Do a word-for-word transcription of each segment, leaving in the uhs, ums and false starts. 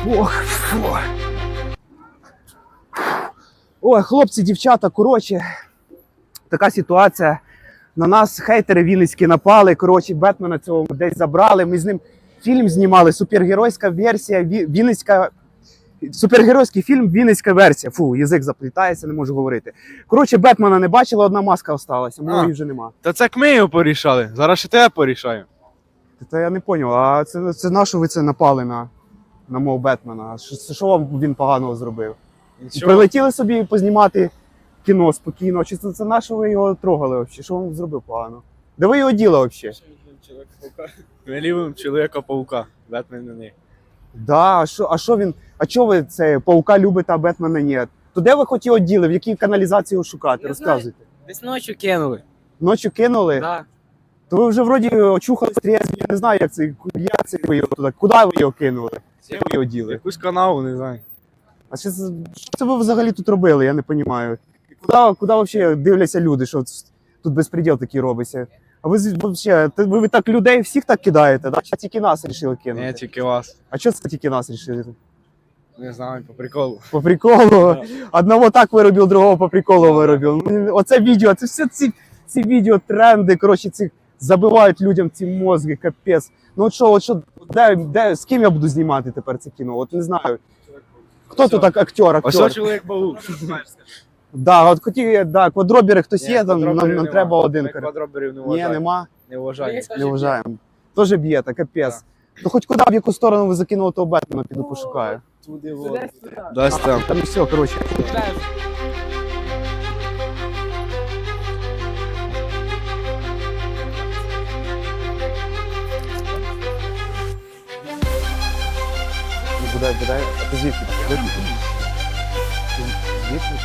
Ох, фу. Ой, хлопці, дівчата, коротше, така ситуація. На нас хейтери вінницькі напали, коротше, Бетмена цього десь забрали. Ми з ним фільм знімали, супергеройська версія, Ві- Вінницька... Супергеройський фільм, Вінницька версія. Фу, язик заплітається, не можу говорити. Коротше, Бетмена не бачили, одна маска залишилася, моєї вже нема. Та це як ми його порішали, зараз ще тебе порішаємо. Та я не зрозумів, а це, це на що ви це напали на, на мого Бетмена? Що, що вам він поганого зробив? Нічого. Прилетіли собі познімати кіно спокійно, чи це, це на що ви його трогали взагалі? Що він зробив погано? Де ви його діли взагалі? Ми любимо Чоловіка-паука, Бетмен на них. Да, а що, а що він, а чого ви це, паука любите, а Бетмена ні? То де ви хоч його діли, в якій каналізації його шукати? Я Розказуйте. Десь ночі кинули. Ночі кинули? Да. То ви вже вроді очухались трезві, я не знаю, як це, як це ви його туди, куди ви його кинули? Де ви його діли? Якусь канаву, не знаю. А що це, що це ви взагалі тут робили, я не розумію. Куди, куди взагалі дивляться люди, що тут безпреділ такий робиться? А ви взагалі, ви, ви так людей всіх так кидаєте, да? Чи тільки нас вирішили кинути? Не, тільки вас. А що це тільки нас вирішили? Не знаю, по приколу. По приколу? Одного так виробив, другого по приколу виробив. Ну, оце відео, це все ці, ці відео, тренди, коротше, ці забивають людям ці мозги, капець. Ну от що, от що, де, де, з ким я буду знімати тепер це кіно? От не знаю. Хто тут так актер, Ось актер? Чоловік-паук. Да, от хотів, да, квадробери хтось Ні, є, там, нам, квадроберів нам нема. треба один. Ми кар- квадроберів не Ні, вважаємо. нема, Не вважаємо. не вважаємо. Тоже б'єте, капець. То хоч куди, в яку сторону ви закинули того Бетмена, піду пошукаю. Туди Сюди, сюди. Дасть там. Там все, коротше. Ну, Бодай, бодай, а ти звідки? Звідки? Звідки?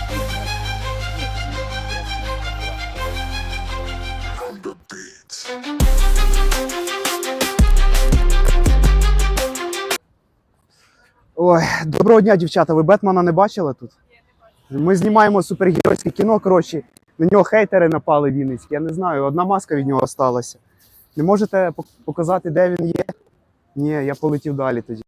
Ой, доброго дня, дівчата. Ви Бетмена не бачили тут? Ми знімаємо супергеройське кіно, коротше. На нього хейтери напали вінницькі. Я не знаю, одна маска від нього залишилася. Не можете пок- показати, де він є? Ні, я полетів далі тоді.